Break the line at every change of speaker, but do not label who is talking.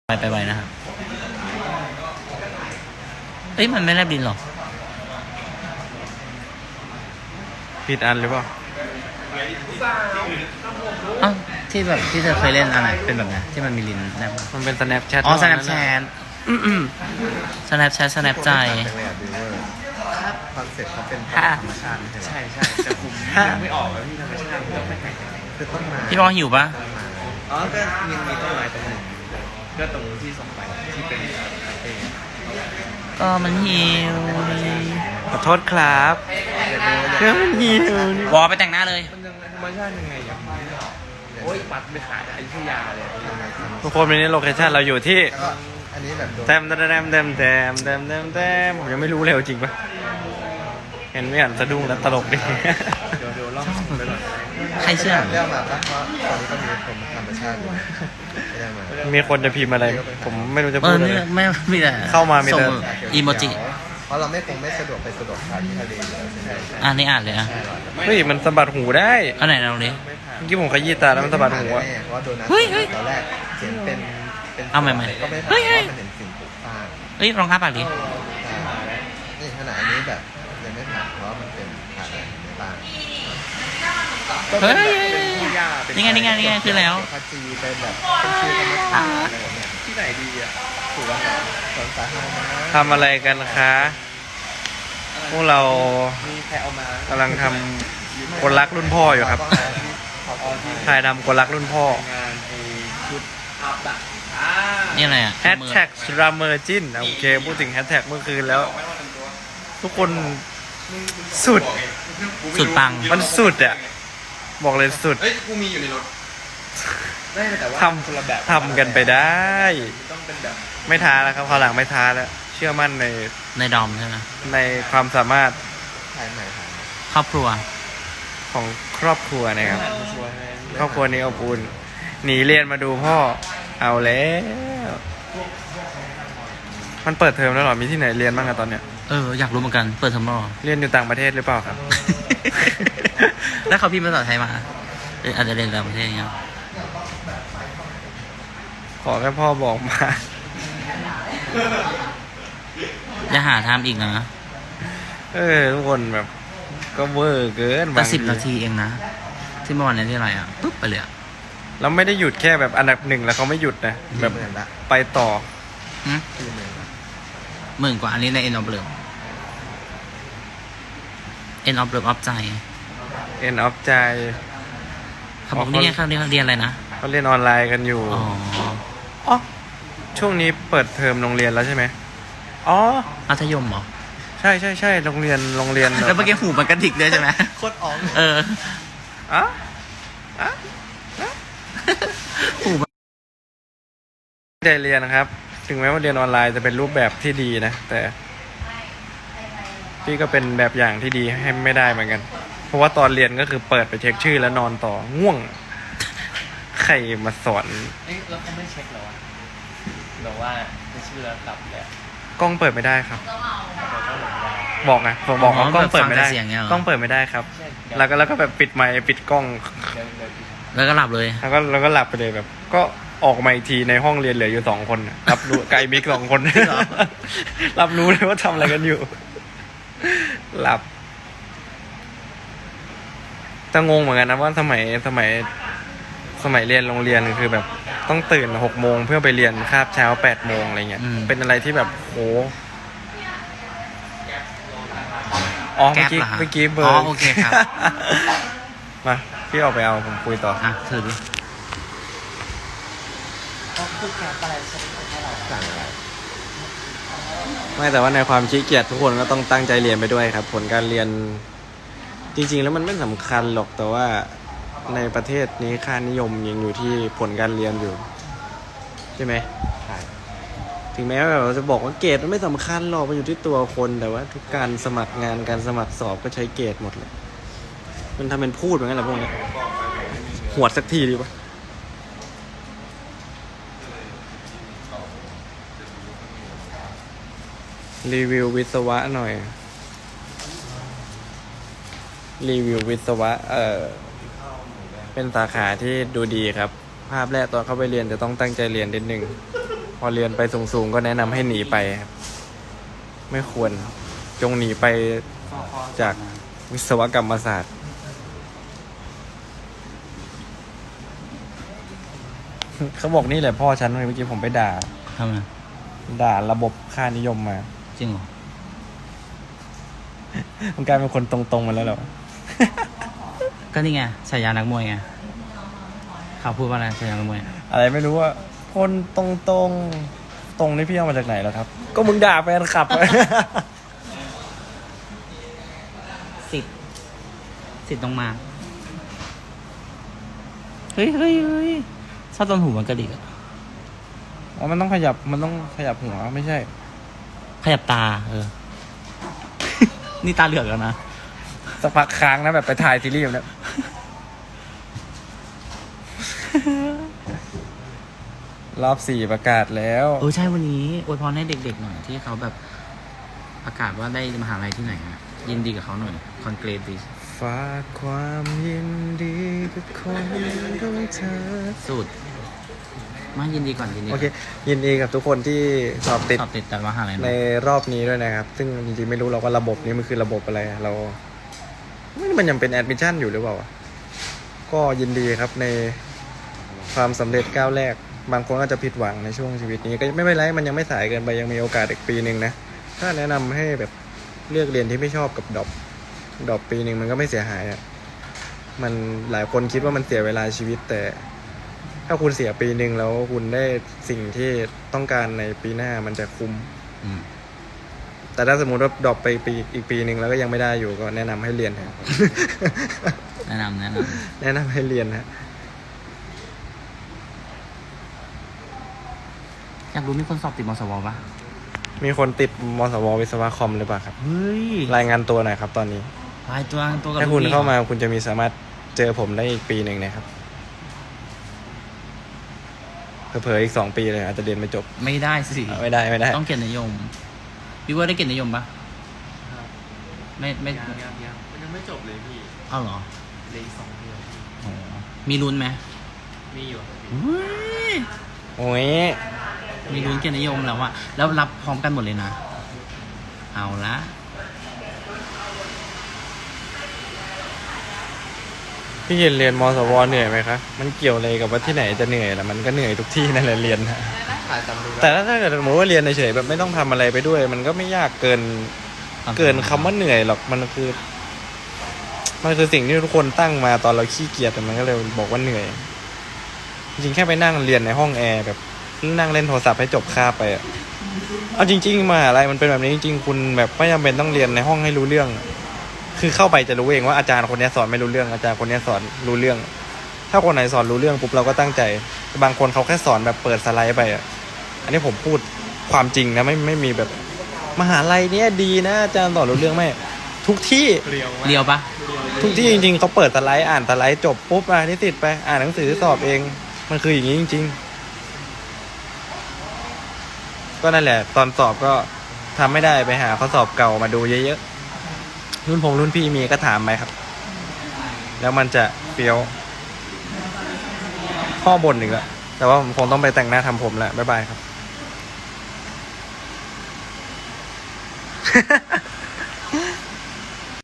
ไปไวนะครับเอ้ยมันไม่แลบดินหรอ
ผิดอันหรือเปล่า
อ้าวที่แบบที่เธอเคยเล่นอะไรเป็นแบบไหนที่มันมีลิ้นแลบ
มันเป็น Snapchat
อ๋อ Snapchat Snapchat Snap ใจ
คอนเซ็ปต์เขาเป็นธรรมชาติใช่ใช่แต่ผมไม่ออกแล้วที่ธรรมชาติต้องไปไหนคือต้นไม้
พี่บอลหิวปะ
อ๋อก็มีต้นไม้ตรงหนึ่งก็ตรงที่ส่งไปที่เป็น
ก็มันหิว
ขอโทษครับก็มันหิว
วอไปแต่งหน้าเลย
มันยังธรรมชาติยังไงยังโอ้ยปัดไปขายอยุธยาเลย
ทุกคนวันนี้โลเคชั่นเราอยู่ที่
อันนี้แบบ
แต้มผมยังไม่รู้เลยจริงปะเห็นไม่อ่านสะดุ้งแล้วตลกดิ
เดี๋ยวลองไปก่อน
ใครเชื่อ
เรียกมาปะเพราะตอนนี้ก็มีคนธรรมชาติอยู่
มีคนจะพิมพ์อะไรผมไม่รู้จะพูดอะไร
ไม่มีแต่
เข้ามามีแต่
อีโมจิ
เพราะเราไม่สะดวกไปสะดวกที่ทะเล
อันนี้อ่านเลยอ่ะ
เฮ้ยมันสะบัดหูได้
อันไหนเราเนี่ย
เมื่อกี้ผมขยี้ตาแล้วมันสะบัดหูอ่ะ
เพราะโดนัทตอนแรกเขียนเป็น
เอาใหม่
ก็ไม่ผ่านเพราะมันเห็นสิ่งปลูกสร้าง
เฮ้ยรองเท้าปากดิ
นี่ขนาดนี้แบบยังไม่ผ่านเพราะมันเป็นผ่านในบ้าน
เฮ้ยนี่ไงคือแล้ว
พัจีเป็นแบบเป็นชื่อธรรมชาติอะไรแบบนี้ที่ไหนดีอ่ะถูกแล้วสวนสาธารณะ
ทำอะไรกันคะพวกเรากำลังทำคนรักรุ่นพ่ออยู่ครับถ่ายทำคนรักรุ่นพ่อ
นี่อะไรอ่ะ
แฮชแท็กรามเมอร์จินโอเคพูดถึงแฮชแท็กเมื่อคืนแล้วทุกคนสุด
ปัง
มันสุดอ่ะบอกเลยสุด
กูมีอยู่ในรถ
ทำกันไปได้ไม่ท้าแล้วครับคราวหลังไม่ท้าแล้วเชื่อมั่น
ในดอมใช่ไหม
ในความสามารถ
ครอบครัว
ของครอบครัวนะครับครอบครัวนี้อบอุ่นหนีเรียนมาดูพ่อเอาแล้วมันเปิดเทอมแล้วหรอมีที่ไหนเรียนบ้างอะตอนเนี้ย
อยากรู้เหมือนกันเปิดเทอมแล้ว
เรียนอยู่ต่างประเทศหรือเปล่าครับ
แล้วเขาพิมพ์ภาษาไทยมาอาจจะเรียนต่างประเทศเงี้ย
ขอแค่พ่อบอกมา
อย่าหาทำอีกนะ
ทุกคนแบบก็เวอร์เกิน
แต่10 นาทีเองนะที่เมื่อวานนี้ที่ไรอ่ะปุ๊บไปเลย
เราไม่ได้หยุดแค่แบบอันดับ1แล้วเขาไม่หยุดนะแบบไปต่อ
10,000 กว่าอันนี้ใน End of Love End of Love ใจ
End of ใจ
เขาบอกนี่ไงเขาเรียนอะไรนะ
เขาเรียนออนไลน์กันอยู่อ๋อช่วงนี้เปิดเทอมโรงเรียนแล้วใช่ไหมอ๋อ
มัธยมเหรอ
ใช่โรงเรียน
แล้วเมื่อกี้หูมันกระดิกด้วยใช่ไหม
โคตรอ๋อง
หูได้เรียนนะครับถึงแม้ว่าเรียนออนไลน์จะเป็นรูปแบบที่ดีนะแต่พี่ก็เป็นแบบอย่างที่ดีให้ไม่ได้เหมือนกันเพราะว่าตอนเรียนก็คือเปิดไปเช็คชื่อแล้วนอนต่อง่วงใครมาสอน
แล้วเขาไม่เช็คหรอบอกว่าชื่อแล้วกลับเลย
กล้องเปิดไม่ได้ครับบอกไงบอกว่ากล้องเปิดไม่ได้กล้องเปิดไม่ได้ครับแล้วก็แบบปิดไมค์ปิดกล้อง
แล้วก็หลับเลย
แล้วก็หลับไปเลยแบบก็ออกมาอีกทีในห้องเรียนเหลืออยู่2 คนรับรู้ไกลมิก2 คนรับรู้เลยว่าทำอะไรกันอยู่หลับจะงงเหมือนกันนะว่าสมัยเรียนโรงเรียนคือแบบต้องตื่น6 โมงเพื่อไปเรียนคาบเช้า8 โมงอะไรเงี้ยเป็นอะไรที่แบบโหอ๋อเมื่อกี้เบอร์
โอเคครับ
มาพี่ออกไปเอาผมคุยต่อ
ถือดิ
ไม่แต่ว่าในความขี้เกียจทุกคนก็ต้องตั้งใจเรียนไปด้วยครับผลการเรียนจริงๆแล้วมันไม่สำคัญหรอกแต่ว่าในประเทศนี้ค่านิยมยังอยู่ที่ผลการเรียนอยู่ใช่ไหมใช่ถึงแม้ว่าเราจะบอกว่าเกรดมันไม่สำคัญหรอกมันอยู่ที่ตัวคนแต่ว่าทุกการสมัครงานการสมัครสอบก็ใช้เกรดหมดเลยมันทำเป็นพูดเหมือนกันแหละพวกนี้หวดสักทีดีป่ะรีวิววิศวะหน่อยรีวิววิศวะเป็นสาขาที่ดูดีครับภาพแรกตอนเข้าไปเรียนจะต้องตั้งใจเรียนนิดนึงเพอเรียนไปสูงๆก็แนะนำให้หนีไปครับไม่ควรจงหนีไปจากวิศวกรรมศาสตร์ เขาบอกนี่แหละพ่อฉันเมื่อกี้ผมไปด่า
ทำไม
ด่าระบบค่านิยมมา
จริงเหรอ
มันกลายเป็นคนตรงๆมาแล้วเหรอ
ก็นี่ไงฉายานักมวยไงเขาพูดว่าอะไรฉายานักมวย
อะไรไม่รู้ว่าคนตรงนี่พี่เอามาจากไหนแล้วครับ ก็มึงด่าแฟนคลับ
สิทธิ์ต้องมาเฮ้ยชอบตอนหูมันกระดิกอะ
อ๋อมันต้องขยับหัวไม่ใช่
ขยับตานี่ตาเหลือกแล้วนะ
สักพักค้างนะแบบไปถ่ายซีรีส์แบบนี้ รอบ 4ประกาศแล้ว
ใช่วันนี้อวยพรให้เด็กๆหน่อยที่เขาแบบประกาศว่าได้มหาลัยที่ไหนอะยินดีกับเขาหน่อยคอนเกรสดิ
ฝากความยินดีกับคนของเธอ
สุดมายินดีก่อนยินดี
โอเค ยินดีกับทุกคนที่สอบติด
สอบติดแต่มหาลัย
ใน
เนอะ
รอบนี้ด้วยนะครับ ซึ่งจริงๆไม่รู้เราว่าระบบนี้มันคือระบบอะไรเรามันยังเป็นแอดมิชชั่นอยู่หรือเปล่าก็ยินดีครับในความสำเร็จก้าวแรก บางคนก็จะผิดหวังในช่วงชีวิตนี้ก็ไม่เป็นไรมันยังไม่สายเกินไปยังมีโอกาสอีกปีหนึ่งนะถ้าแนะนำให้แบบเลือกเรียนที่ไม่ชอบกับดรอปปีหนึ่งมันก็ไม่เสียหายอ่ะมันหลายคนคิดว่ามันเสียเวลาชีวิตแต่ถ้าคุณเสียปีหนึ่งแล้วคุณได้สิ่งที่ต้องการในปีหน้ามันจะคุ้ม
อืม
แต่ถ้าสมมติว่าดรอปไปอีกปีหนึ่งแล้วก็ยังไม่ได้อยู่ก็แนะนำให้เรียนครับ
แนะนำ
แนะนำให้เรียนฮะ
อยากรู้มีคนสอบติดมสวปะ
มีคนติดมสววิศวะคอมหรือเปล่าครับ
เฮ้ย
รายงานตัวหน่อยครับตอนนี้
ลายตัวกับ
ถ้าคุณ
ลูกพี่
เข้ามาคุณจะมีสามารถเจอผมได้อีกปีหนึ่งนะครับเผลอๆอีก2 ปีเลยอาจจะเรียนไม่จบ
ไม่ได้สิ
ไม่ได้
ต้องเกียรตินิยมพี่ว่าได้เกียรตินิยมปะไม่
ยังมันยังไม่จบเลยพี่
เอาเหรอ
เลยอีก2 เดือน
โอ้มีลุ้นไหม
มีอยู่ครับพี่
เฮ้ย
โอ้ย
มีลุ้นเกียรตินิยมแล้วอะแล้วรับพร้อมกันหมดเลยนะ เอาละ
พี่เรียนมสวเหนื่อยไหมคะมันเกี่ยวอะไรกับว่าที่ไหนจะเหนื่อยล่ะมันก็เหนื่อยทุกที่นั่นแหละเรียนฮะ
ถ่ายจำดู
แต่ถ้าเกิดสมมติว่าเรียนเฉยๆแบบไม่ต้องทำอะไรไปด้วย มันก็ไม่ยากเกินคำว่าเหนื่อยหรอกมันคือสิ่งที่ทุกคนตั้งมาตอนเราขี้เกียจแต่มันก็เลยบอกว่าเหนื่อย จริงๆแค่ไปนั่งเรียนในห้องแอร์แบบนั่งเล่นโทรศัพท์ให้จบคาบไปอะเอาจริงๆมหาลัยมันเป็นแบบนี้จริงๆคุณแบบไม่จำเป็นต้องเรียนในห้องให้รู้เรื่อง คือเข้าไปจะรู้เองว่าอาจารย์คนนี้สอนไม่รู้เรื่องอาจารย์คนนี้สอนรู้เรื่อง ถ้าคนไหนสอนรู้เรื่องปุ๊บเราก็ตั้งใจบางคนเขาแค่สอนแบบเปิดสไลด์ไปอ่ะอันนี้ผมพูดความจริงนะไม่มีแบบมหาลัยเนี้ยดีนะอาจารย์สอนรู้เรื่องไหมทุกที่
เรียวมาก
เดียวปะ
ทุกที่จริงๆเขาเปิดสไลด์อ่านสไลด์จบปุ๊บนิสิตไปอ่านหนังสือสอบเองมันคืออย่างนี้จริงๆก็นั่นแหละตอนสอบก็ทำไม่ได้ไปหาข้อสอบเก่ามาดูเยอะๆรุ่นพี่มีก็ถามไปครับแล้วมันจะเฟี้ยวพ่อบ่นอีกแล้วแต่ว่าผมคงต้องไปแต่งหน้าทำผมแหละบ๊ายบายครับ